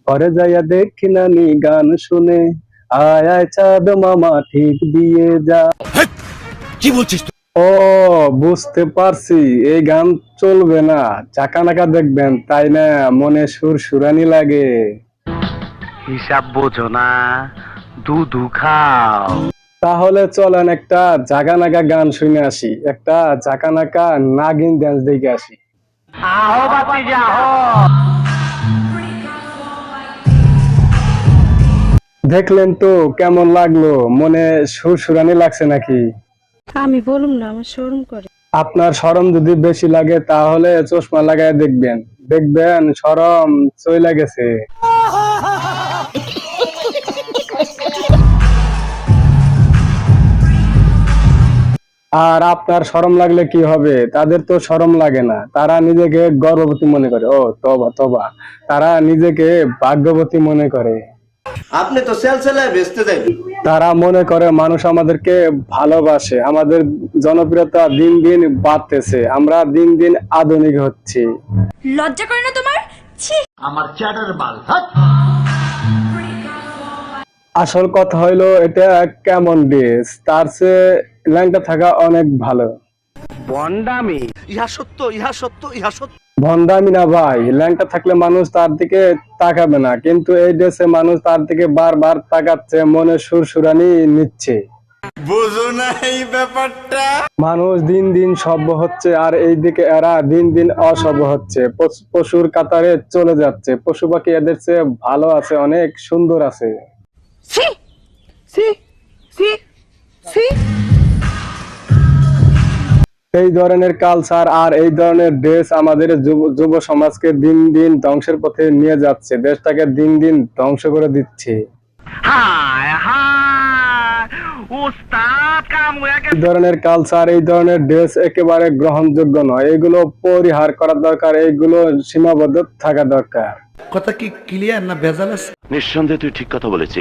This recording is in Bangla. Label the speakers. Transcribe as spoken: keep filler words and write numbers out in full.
Speaker 1: ঘরে যাইয়া দেখি নানি গান শুনে, আয় আয় চাঁদ মামা ঠিক দিয়ে যা।
Speaker 2: কি বলছিস?
Speaker 1: ও বুঝতে পারছি, এই গান চলবে না, চাকা নাকা দেখবেন তাই না, মনে সুর সুরানি লাগে।
Speaker 3: হিসাব বোঝো না, দুধু খাও।
Speaker 1: তাহলে চলেন একটা জাগা নাগা গান শুনে আসি, একটা জাকা নাকা নাগিন ড্যান্স দেখে আসি।
Speaker 3: আহো বাতি যাও।
Speaker 1: দেখলেন তো কেমন লাগলো, মনে সুর সুরানি লাগছে নাকি?
Speaker 4: আমি বলুম না, আমার শরম করে।
Speaker 1: আপনার শরম যদি বেশি লাগে তাহলে চশমা লাগায় দেখবেন, দেখবেন শরম চইলা গেছে। আর আপনার শরম লাগলে কি হবে, তাদের তো শরম লাগে না, তারা নিজেকে গর্ভবতী মনে করে। ও তবা তবা, তারা নিজেকে ভাগ্যবতী মনে করে।
Speaker 2: আপনি তো সেল সেলায় বেচতে যাবেন।
Speaker 1: তারা মনে করে মানুষ আমাদেরকে ভালোবাসে, আমাদের জনপ্রিয়তা দিন দিন বাড়তেছে, আমরা দিন দিন আধুনিক হচ্ছি।
Speaker 5: লজ্জা করে না তোমার? ছি।
Speaker 2: আমার চ্যাটার বাল হাট।
Speaker 1: আসল কথা হইলো এটা কেমন ড্রেস, তার চেয়ে ল্যাংটা থাকা অনেক ভালো।
Speaker 3: বন্ডামি।
Speaker 2: ইহা সত্য, ইহা সত্য, ইহা সত্য।
Speaker 1: ভন্ডামি না ভাই, ল্যাংটা থাকলে মানুষ তার দিকে তাকাবে না, কিন্তু এই ড্রেসে মানুষ তার দিকে বারবার তাকাচ্ছে, মনে সুর সুরানি নিচ্ছে।
Speaker 2: বুঝো না এই ব্যাপারটা?
Speaker 1: মানুষ দিন দিন সভ্য হচ্ছে, আর এই দিকে এরা দিন দিন অসভ্য হচ্ছে, পশু- পশুর কাতারে চলে যাচ্ছে। পশু পাখি এদের চেয়ে ভালো আছে, অনেক সুন্দর আছে।
Speaker 5: ছি ছি ছি ছি।
Speaker 1: এই ধরনের কালচার আর এই ধরনের ড্রেস আমাদের যুব যুব সমাজকে দিন দিন ধ্বংসের পথে নিয়ে যাচ্ছে, দেশটাকে দিন দিন ধ্বংস করে দিচ্ছে।
Speaker 3: হায় হায়, উস্তাদ কাম হয়ে
Speaker 1: এই
Speaker 3: গেছে।
Speaker 1: ধরনের কালচার, এই ধরনের ড্রেস একেবারে গ্রহণযোগ্য নয়, এগুলো পরিহার করা দরকার, এগুলো সীমাবদ্ধ থাকা দরকার।
Speaker 6: কথা কি ক্লিয়ার না ভেজাল আছে?
Speaker 7: নিঃসন্দেহে তুই ঠিক কথা বলেছিস।